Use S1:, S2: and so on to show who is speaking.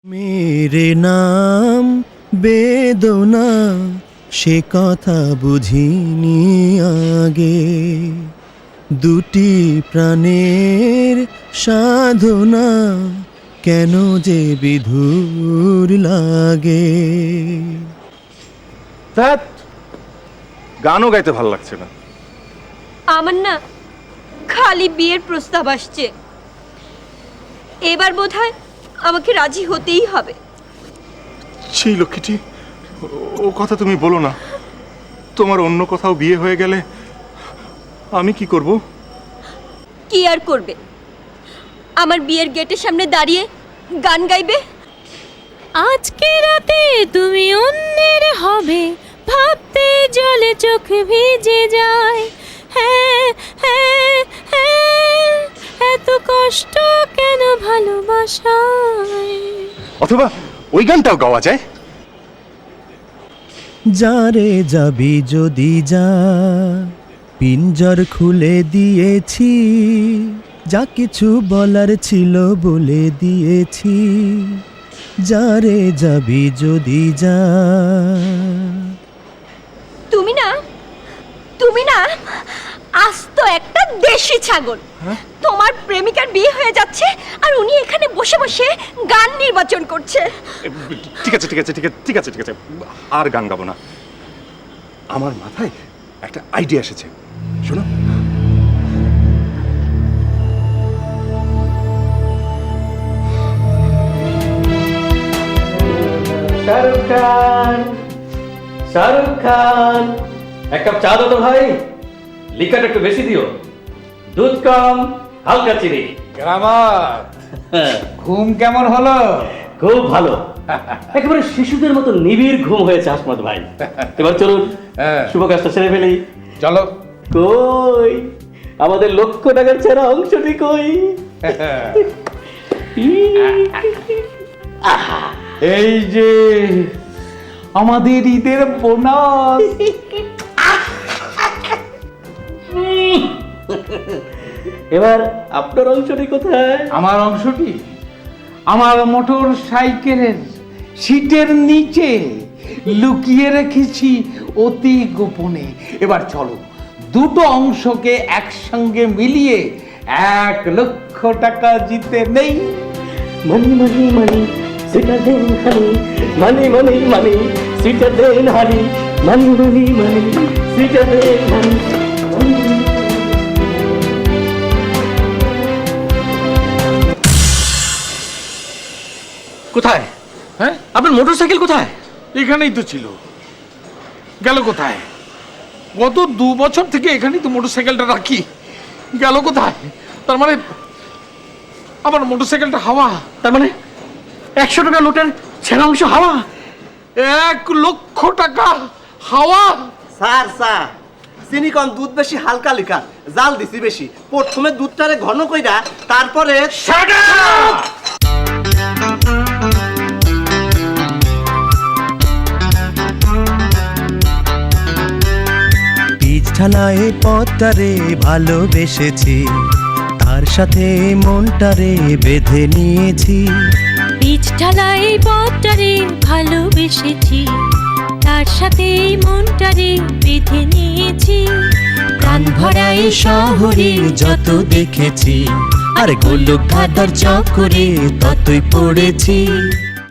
S1: मेरे नाम বেদনা সে কথা বুঝিনি আগে দুটি প্রাণের সাধনা কেন যে বিধুর লাগে।
S2: ধ্যাৎ, গানও গাইতে ভালো লাগছে না।
S3: আমার না খালি বিয়ের প্রস্তাব আসছে, এবার বোধহয় আমাকে রাজি হতেই হবে।
S2: ছি লক্ষ্মীটি, ও কথা তুমি বলো না। তোমার অন্য কোথাও বিয়ে হয়ে গেলে আমি কি করব?
S3: কি আর করবে, আমার বিয়ের গেটের সামনে দাঁড়িয়ে গান গাইবে।
S4: আজকে রাতে তুমি অন্যের হবে, ভাবতে জলে চোখ ভিজে যায়। হ্যাঁ হ্যাঁ হ্যাঁ, এত কষ্ট কেন ভালোবাসায়।
S2: অথবা ওই গানটাও গাওয়া যায়।
S1: যারে যাবি যদি যা, পিঞ্জর খুলে দিয়েছি, যা কিছু বলার ছিল বলে দিয়েছি। যারে যাবি যদি যা।
S3: তুমি না আস্ত একটা দেশি ছাগল। তোমার প্রেমিকার বিয়ে হয়ে যাচ্ছে আর উনি এখানে বসে বসে গান নির্বাচন করছে।
S2: ঠিক আছে ঠিক আছে ঠিক আছে ঠিক আছে ঠিক আছে, আর গান গাবো না। আমার মাথায় একটা আইডিয়া এসেছে, শোনো।
S5: শাহরুখ খান, শাহরুখ খান, এক কাপ চা দাও তো ভাই। লিকারটা একটু বেশি দিও, দুধ কম, হালকা চিনি।
S6: গ্রামাত, ঘুম কেমন হলো?
S5: খুব ভালো, একেবারে শিশুদের মতো নিবিড় ঘুম হয়েছে হাসমত ভাই। এবার চলুন শুভ কাজটা সেরে ফেলি।
S6: চলো।
S5: কই আমাদের লক্ষ টাকার ছেঁড়া অংশটি কই?
S6: এই যে আমাদের ঈদের বোনাস।
S5: এবার আপনার অংশটি কোথায়?
S6: আমার অংশটি আমার মোটর সাইকেলের সিটের নিচে লুকিয়ে রেখেছি অতি গোপনে। এবার চলো দুটো অংশকে একসঙ্গে মিলিয়ে 1,00,000 টাকা জিতে নেই।
S5: মানি মানি মানি সেটা দেন হানি, মানি মানি মানি সেটা দেন হানি, মানি মানি মানি সেটা দেন হানি। কোথায়?
S6: হ্যাঁ,
S5: আপনার মোটরসাইকেল কোথায়?
S6: এখানেই তো ছিল, গেল কোথায়? গত 2 বছর থেকে এখানেই তো মোটরসাইকেলটা রাখি, গেল কোথায়? তার মানে আমার মোটরসাইকেলটা হাওয়া।
S5: তার মানে 100 টাকা নোটের ছেঁড়া অংশ হাওয়া।
S6: 1,00,000 টাকা হাওয়া।
S7: স্যার স্যার, চিনি কম, দুধ বেশি, হালকা লিকার, জাল দিছি বেশি। প্রথমে দুধটারে ঘন কইরা তারপরে
S1: পিচ ঢালায় পথটারে ভালোবেসেছি, তার সাথে মনটারে বেঁধে নিয়েছি।
S4: বীজ ঢালাই পথটারে ভালোবেসেছি, তার সাথে মনটারে বেঁধে নিয়েছি।
S1: প্রাণ ভরাই শহরে যত দেখেছি, আর গোলক ধাঁধার চক্করে ততই পড়েছি।